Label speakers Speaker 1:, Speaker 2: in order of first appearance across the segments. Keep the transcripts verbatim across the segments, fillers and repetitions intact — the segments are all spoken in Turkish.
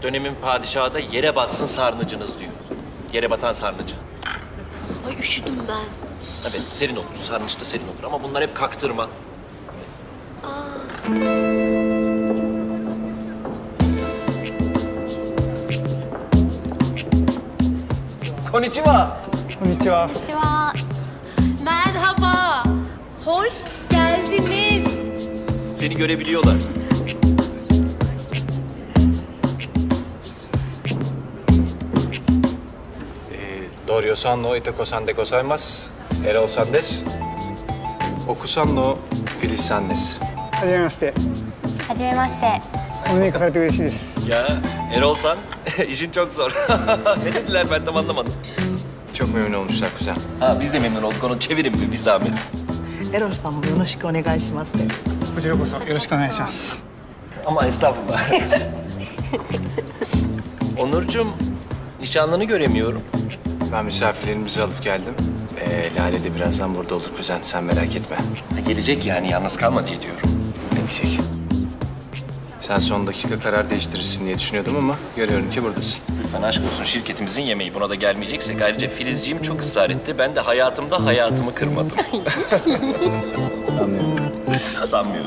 Speaker 1: Dönemin padişahı da yere batsın sarnıcınız diyor. Yere batan sarnıcı.
Speaker 2: Ay üşüdüm ben.
Speaker 1: Evet, serin olur. Sarnıç da serin olur ama bunlar hep kaktırma. Konnichiwa.
Speaker 3: こんにちは。
Speaker 2: Merhaba. Hoş geldiniz.
Speaker 1: Seni görebiliyorlar.
Speaker 4: Doryo-san no Itako-san de gozaimasu. Erol-san desu. Oku-san no Filiz-san desu.
Speaker 3: はじめまして。
Speaker 5: はじめまして。
Speaker 3: お目にかかれて嬉しいです。
Speaker 1: Ya Erol San, işin çok zor. Ne dediler ben tam anlamadım.
Speaker 4: Çok memnun olmuşlar kuzen.
Speaker 1: Ha, biz de memnun olduk. Onu çevirin bir, bir zahmet.
Speaker 6: エロルさんもよろしくお願いしますね。
Speaker 3: こちらこそよろしくお願いします。
Speaker 1: Ama estağfurullah. Onurcuğum, nişanlını göremiyorum.
Speaker 4: Ben misafirlerimizi alıp geldim. Ee, Lale de birazdan burada olur kuzen. Sen merak etme.
Speaker 1: Ha, gelecek yani, yalnız kalma diye diyorum.
Speaker 4: Gelecek. Sen son dakika karar değiştirirsin diye düşünüyordum ama görüyorum ki buradasın.
Speaker 1: Lütfen aşk olsun, şirketimizin yemeği. Buna da gelmeyeceksek. Ayrıca Filizciğim çok ısrar etti. Ben de hayatımda hayatımı kırmadım.
Speaker 4: Anlıyorum.
Speaker 1: Sanmıyorum.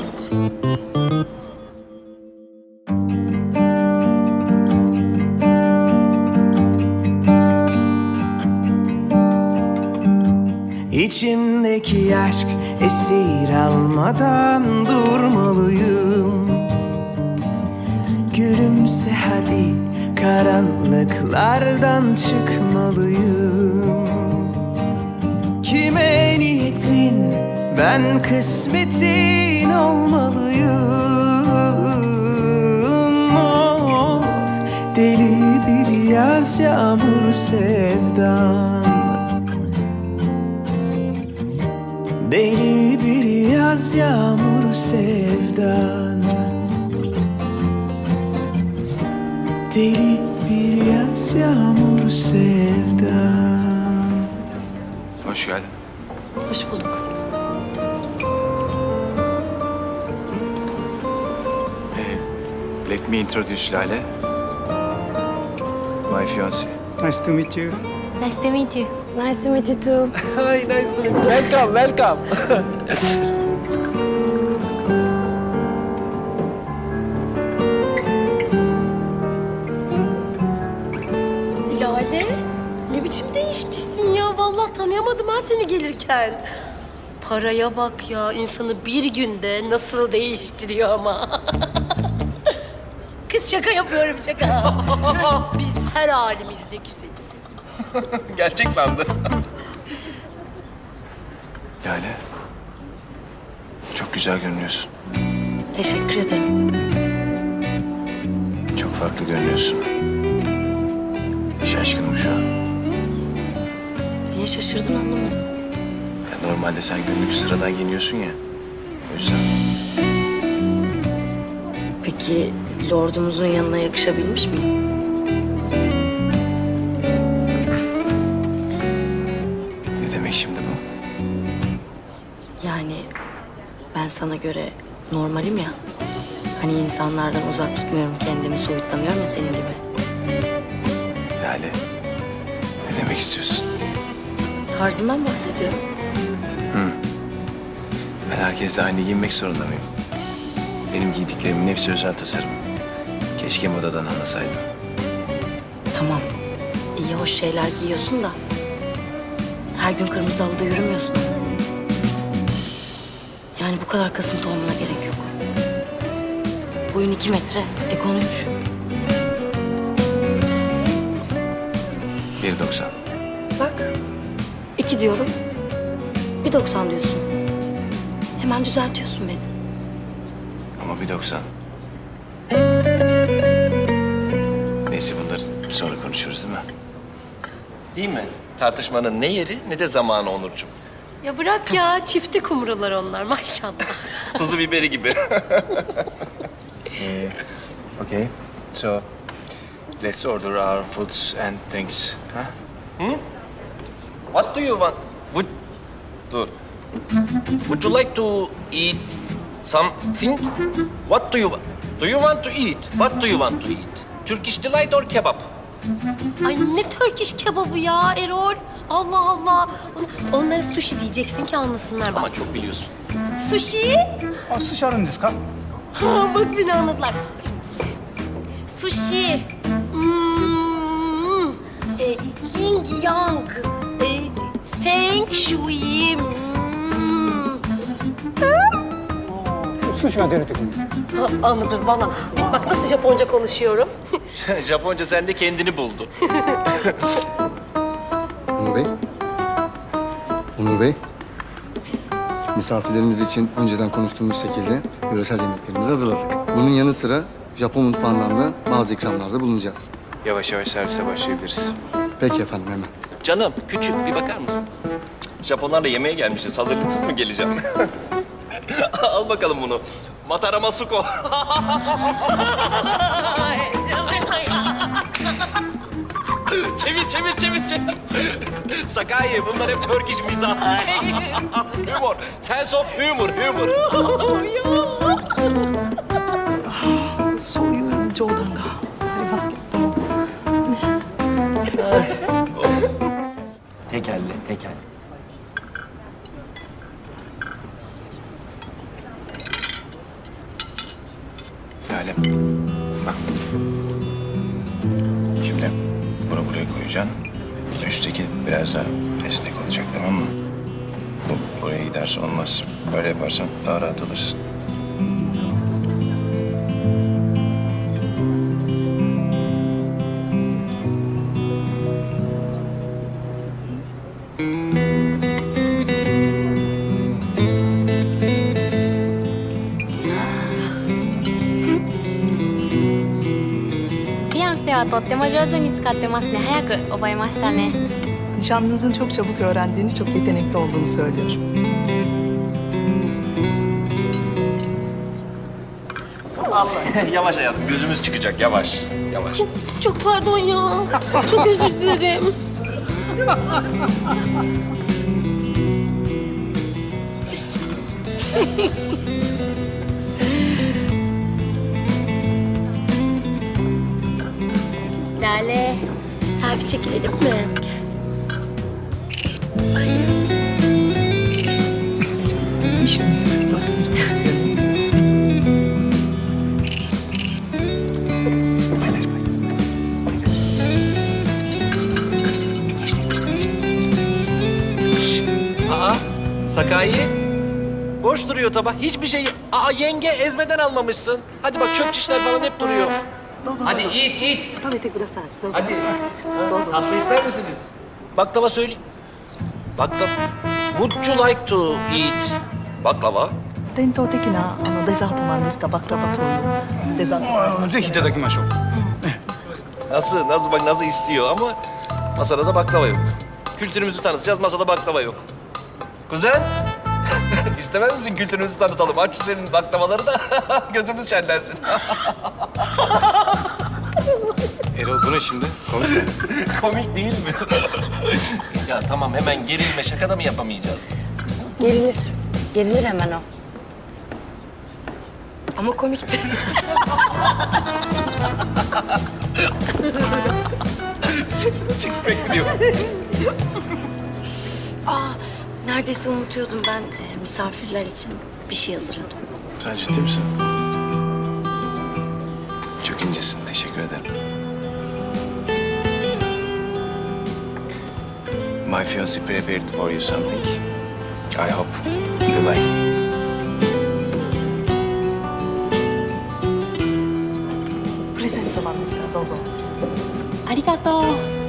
Speaker 7: İçimdeki aşk esir almadan durmalıyım. Gülümse hadi, karanlıklardan çıkmalıyım. Kime niyetin, ben kısmetin olmalıyım. Of, deli bir yaz yağmur sevdan. Deli bir yaz yağmur sevdan. Deli bir yaz yağmur sevdan.
Speaker 4: Hoş geldin.
Speaker 2: Hoş bulduk.
Speaker 4: Let me introduce Lale. My fiancé.
Speaker 3: Nice to meet you.
Speaker 5: Nice to meet you.
Speaker 2: Nice to meet you too.
Speaker 1: Hi, nice to meet you. Welcome, welcome.
Speaker 2: Lale, ne biçim değişmişsin ya. Vallahi tanıyamadım ben seni gelirken. Paraya bak ya, insanı bir günde nasıl değiştiriyor ama. Kız şaka yapıyorum şaka. Biz her halimizde güzeliz.
Speaker 1: Gerçek sandı.
Speaker 4: Lale. Çok güzel görünüyorsun.
Speaker 2: Teşekkür ederim.
Speaker 4: Çok farklı görünüyorsun. Şaşkınım şu an.
Speaker 2: Niye şaşırdın anlamadım.
Speaker 4: Ya normalde sen günlük sıradan giyiniyorsun ya. O yüzden.
Speaker 2: Peki lordumuzun yanına yakışabilmiş miyim?
Speaker 4: Ne demek şimdi bu?
Speaker 2: Yani ben sana göre normalim ya. Hani insanlardan uzak tutmuyorum kendimi, soyutlamıyorum ya senin gibi.
Speaker 4: Lale. Ne demek istiyorsun?
Speaker 2: Tarzından bahsediyorum.
Speaker 4: Ben herkesle aynı giyinmek zorunda mıyım? Benim giydiklerimin hepsi özel tasarım. Keşke modadan anlasaydın.
Speaker 2: Tamam, iyi hoş şeyler giyiyorsun da her gün kırmızı halıda yürümüyorsun. Yani bu kadar kasıntı olmana gerek yok. Boyun iki metre, ekon üç.
Speaker 4: bir doksan.
Speaker 2: Bak, iki diyorum, bir doksan diyorsun. Hemen düzeltiyorsun beni.
Speaker 4: Ama bir doksan. Neyse bunları sonra konuşuruz değil mi?
Speaker 1: Değil mi? Tartışmanın ne yeri ne de zamanı Onurcuğum.
Speaker 2: Ya bırak ya, çifti kumrular onlar maşallah.
Speaker 1: Tuzu biberi gibi.
Speaker 4: Okay. So, let's order our foods and drinks. Huh?
Speaker 1: What do you want? Would... Dur. Would you like to eat something? What do you want? Do you want to eat? What do you want to eat? Turkish Delight or kebap?
Speaker 2: Ay ne Turkish kebabı ya Erol. Allah Allah. On- Onlara sushi diyeceksin ki anlasınlar bak.
Speaker 1: Ama çok biliyorsun.
Speaker 2: Sushi?
Speaker 3: あ、寿司あるんですか？
Speaker 2: Ha, bak beni anladılar. Sushi. Hmm. E, yin yang. E, feng shui. Hmm.
Speaker 3: 寿司が出るときに。
Speaker 2: Ha, anladım valla. Bak nasıl Japonca konuşuyorum.
Speaker 1: Japonca sende kendini buldu.
Speaker 8: Onur Bey. Onur Bey. Misafirleriniz için önceden konuştuğumuz şekilde yöresel yemeklerimizi hazırladık. Bunun yanı sıra Japon mutfağından da bazı ikramlarda bulunacağız.
Speaker 4: Yavaş yavaş servise başlayabiliriz.
Speaker 8: Peki efendim, hemen.
Speaker 1: Canım küçük bir bakar mısın? Japonlarla yemeğe gelmişiz. Hazırlıksız mı geleceğim? Al bakalım bunu. Matarama Suko. çevir, çevir, çevir, çevir. Sakai, bunlar hep Turkish mizah. Humor. Sense of humor, humor.
Speaker 6: そういう冗談がありますけども。
Speaker 4: Tekelli, tekel. Lale, bak. Şimdi bunu buraya koyacaksın. Üstteki biraz daha esnek olacak, tamam mı? Bu buraya giderse olmaz. Böyle yaparsan daha rahat alırsın.
Speaker 5: Fianceはとっても上手に使ってますね。早く覚えましたね。
Speaker 6: Nişanlınızın çok çabuk öğrendiğini, çok yetenekli olduğunu söylüyor.
Speaker 1: Yavaş hayatım, gözümüz çıkacak. Yavaş, yavaş.
Speaker 2: Çok pardon ya. Çok özür dilerim. Lale, selfie çekilelim mi?
Speaker 6: İşimiz var.
Speaker 1: Aa, Sakai. Boş duruyor tabak. Hiçbir şey... Aa, yenge ezmeden almamışsın. Hadi bak çöp şişler falan hep duruyor.
Speaker 6: どうぞどうぞ
Speaker 1: Hadi eat, eat.
Speaker 6: 食べてください。どうぞ。
Speaker 1: Hadi.
Speaker 6: どうぞ。
Speaker 1: Tatlı ister misiniz? Baklava söyle. Baklava. Would you like to eat baklava?
Speaker 6: 伝統的なあのデザートなんですが、バクラバというデザートがあります。
Speaker 3: ぜひいただきましょう。
Speaker 1: Nasıl, nasıl bak nasıl istiyor ama masada da baklava yok. Kültürümüzü tanıtacağız, masada baklava yok. Kuzen, istemez misin kültürümüzü tanıtalım? Aç şu senin baklavaları da gözümüz şenlensin.
Speaker 4: Erol, bu ne şimdi? Komik mi?
Speaker 1: Komik değil mi? Ya tamam hemen gerilme, şaka da mı yapamayacağız?
Speaker 9: Gerilir. Gerilir hemen o. Ama komikti.
Speaker 1: Six, six pack diyor.
Speaker 9: Aa, neredeyse unutuyordum ben e, misafirler için bir şey hazırladım.
Speaker 4: Sen ciddi misin? Çok incesin, teşekkür ederim. My fiancé prepared for you something. I hope you like.
Speaker 6: プレゼントなんですからどうぞ。
Speaker 5: ありがとう。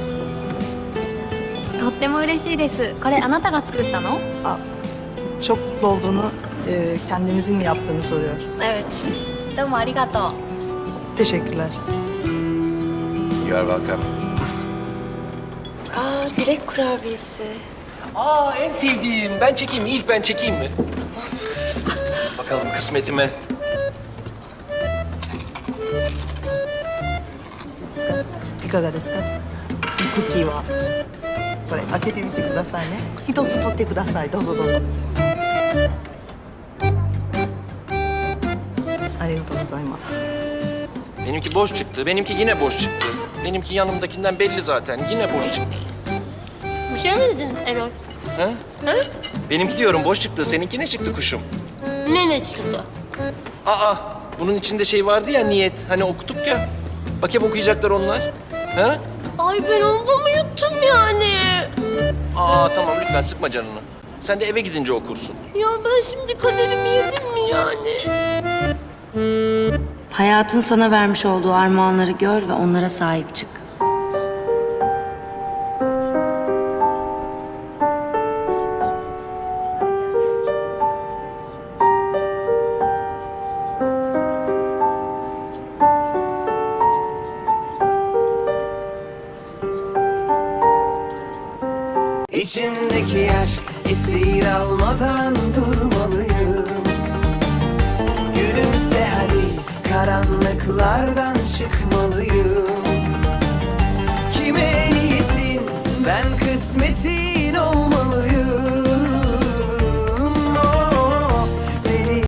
Speaker 5: とっても嬉しいです。これあなたが作ったの？
Speaker 6: Aa, çok mutlu olduğunu, e, kendinizin mi yaptığını soruyor.
Speaker 2: Evet.
Speaker 5: どうもありがとう。
Speaker 6: Teşekkürler.
Speaker 4: You are welcome.
Speaker 9: Aa, dilek kurabiyesi.
Speaker 1: Aa en sevdiğim. Ben çekeyim mi? İlk ben çekeyim mi? Bakalım kısmetime.
Speaker 6: いかがですか？クッキーはこれ開けてみてくださいね。一つ取ってください。どうぞどうぞ。ありがとうございます。
Speaker 1: Benimki boş çıktı. Benimki yine boş çıktı. Benimki yanımdakinden belli zaten. Yine boş çıktı.
Speaker 2: Bir şey mi dedin Erol?
Speaker 1: Ha?
Speaker 2: Ha?
Speaker 1: Benimki diyorum boş çıktı. Seninki ne çıktı kuşum?
Speaker 2: Ne ne çıktı?
Speaker 1: Aa, bunun içinde şey vardı ya niyet. Hani okuduk ya. Bak hep okuyacaklar onlar. Ha?
Speaker 2: Ay ben onda mı yuttum yani?
Speaker 1: Aa tamam lütfen sıkma canını. Sen de eve gidince okursun.
Speaker 2: Ya ben şimdi kaderimi yedim mi yani?
Speaker 9: Hayatın sana vermiş olduğu armağanları gör ve onlara sahip çık.
Speaker 7: İçimdeki aşk esir almadan durmalıyım. Gülümse hadi, karanlıklardan çıkmalıyım. Kime niyetin, ben kısmetin